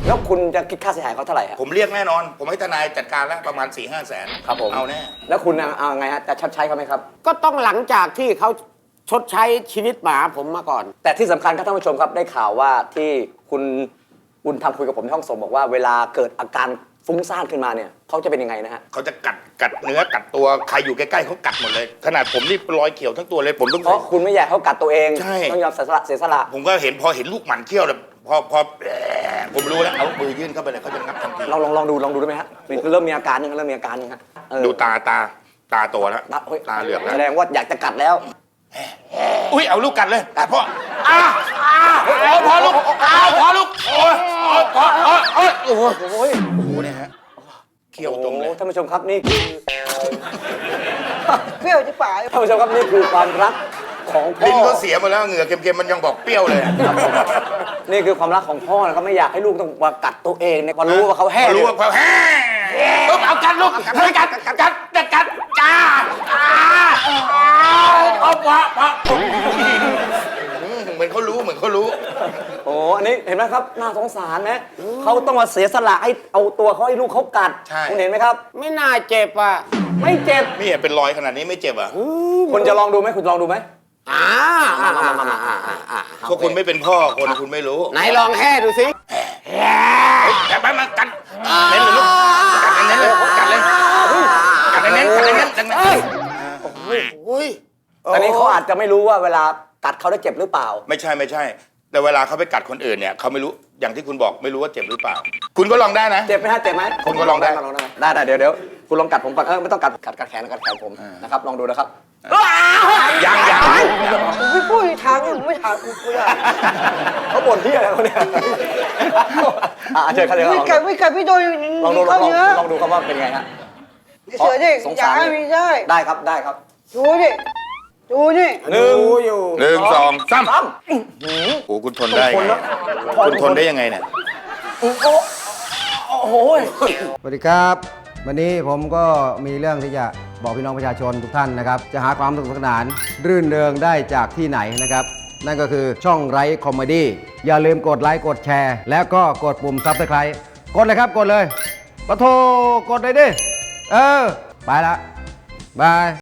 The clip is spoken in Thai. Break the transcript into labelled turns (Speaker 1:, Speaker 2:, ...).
Speaker 1: แล้วคุณจะคิดค่าเสียหายเขาเท่าไหร่ครับ
Speaker 2: ผมเรียกแน่นอน ผมให้ทนายจัดการแล้วประมาณ 4-5 แสน
Speaker 1: ครับผม
Speaker 2: เอาแน่
Speaker 1: แล้วคุณเอาไงฮะจะชดใช้เขาไหมครับ
Speaker 3: ก็ต้องหลังจากที่เขาชดใช้ชีวิตหมาผมมาก่อน
Speaker 1: แต่ที่สำคัญครับท่านผู้ชมครับได้ข่าวว่าที่คุณบุญธรรมคุยกับผมที่ห้องส่งบอกว่าเวลาเกิดอาการฟุ้งซ่านขึ้นมาเนี่ยเขาจะเป็นยังไงนะฮะ
Speaker 2: เขาจะกัดเนื้อกัดตัวใครอยู่ใกล้ๆเขากัดหมดเลย ขนาดผมนี่รอยเขียวทั้งตัวเลยผมต้อง
Speaker 1: เพราะคุณไม่อยากให้เขากัดตัวเอง
Speaker 2: ใช่
Speaker 1: ต้องยอมเสียสละ
Speaker 2: ผมก็เห็นพอเห็นลูกหมันเขี้ยวเลยพอผมรู้แล้วเอามือยื่นเข้าไปเลยเขาจะงับทันที
Speaker 1: ลองดูได้ไหมฮะนี่คือเริ่มมีอาการยังฮะ
Speaker 2: ดูตาโตแล้ว
Speaker 1: เฮ้ย
Speaker 2: ตาเหลือกแล้ว
Speaker 1: แสดงว่าอยากจะกัดแล้ว
Speaker 2: อุ้ยเอาลูกกัดเลยกัดพ่อพอลูกพอลูกโอ้ยโอ้โหเนี่ยฮะเขี้ยวตรงเลย
Speaker 1: ท่านผู้ชมครับนี่คือ
Speaker 3: เปรี้ยวที่ป่า
Speaker 1: ท่านผู้ชมครับนี่คือความรักของพ่อ
Speaker 2: ลิ้นก็เสียหมดแล้วเหงื่อเค็มๆมันยังบอกเปรี้ยวเลย
Speaker 1: นี่คือความรักของพ่อนะครับไม่อยากให้ลูกต้องมากัดตัวเองเนี่ยพอรู้ว่าเขาแห้ง
Speaker 2: รู้ว่าเขาแห้ปุ๊บเอากัดลูกกัดจ้าเอาพอเหมือนเขารู้
Speaker 1: โอ้อันนี้เห็นไหมครับน่าสงสารไหมเขาต้องมาเสียสละให้เอาตัวเขาให้ลูกเขากัด
Speaker 2: ใช่
Speaker 1: คุณเห็นไหมครับ
Speaker 3: ไม่น่าเจ็บอ่ะ
Speaker 1: ไม่เจ็บ
Speaker 2: นี่เป็นรอยขนาดนี้ไม่เจ็บอ่ะ
Speaker 1: คุณจะลองดูไหมคุณลองดูไหม
Speaker 2: เพราะคุณไม่เป็นพ่อคนคุณไม่รู้
Speaker 3: ไหนลองแห่ดูสิ
Speaker 2: แต่ไปมากัดเน้นเลยลูกกัดเน้นเลยกัดเน้น
Speaker 3: อุ้ย
Speaker 1: อันนี้เขาอาจจะไม่รู้ว่าเวลากัดเขาได้เจ็บหรือเปล่า
Speaker 2: ไม่ใช่ แต่เวลาเขาไปกัดคนอื่นเนี่ยเขาไม่รู้อย่างที่คุณบอกไม่รู้ว่าเจ็บหรือเปล่า คุณก็ลองได้นะ
Speaker 1: เจ็บไหมฮะเจ็บไหม
Speaker 2: คุณก็ลองได้
Speaker 1: ได้เดี๋ยวคุณลองกัดผมก่อนไม่ต้องกัดแขนผมนะครับลองดูนะครับ
Speaker 2: ยัง
Speaker 3: ไม่พูดทางไม่ถามกูเลย
Speaker 1: เขาบ่นที่อะไรเขาเนี่ยเชิญเขาเลย
Speaker 3: ไม่ไก่ไม่โดน
Speaker 1: ลองดู
Speaker 3: เข้าเนื้อ
Speaker 1: ลองดูครับว่าเป็นไงฮะ
Speaker 3: เสือดิ
Speaker 1: สง
Speaker 3: อย่า
Speaker 1: สาร
Speaker 3: ให้มีได้
Speaker 1: ได้ครับ
Speaker 3: ดูนี่
Speaker 1: หนึ่งอยู่
Speaker 2: 1 2 3
Speaker 1: สาม
Speaker 2: โอ้คุณทนได้ไงคุณทนได้ยังไงเนี่ย
Speaker 1: โอ้โห
Speaker 4: สวัสดีครับ วันนี้ผมก็มีเรื่องที่จะบอกพี่น้องประชาชนทุกท่านนะครับ จะหาความสนุกสนาน รื่นเริงได้จากที่ไหนนะครับ นั่นก็คือช่องไร้คอมเมดี้อย่าลืมกดไลค์กดแชร์ แล้วก็กดปุ่มซับสไครต์กดเลยครับกดเลยปะโทกดเลยดิ ไปละบาย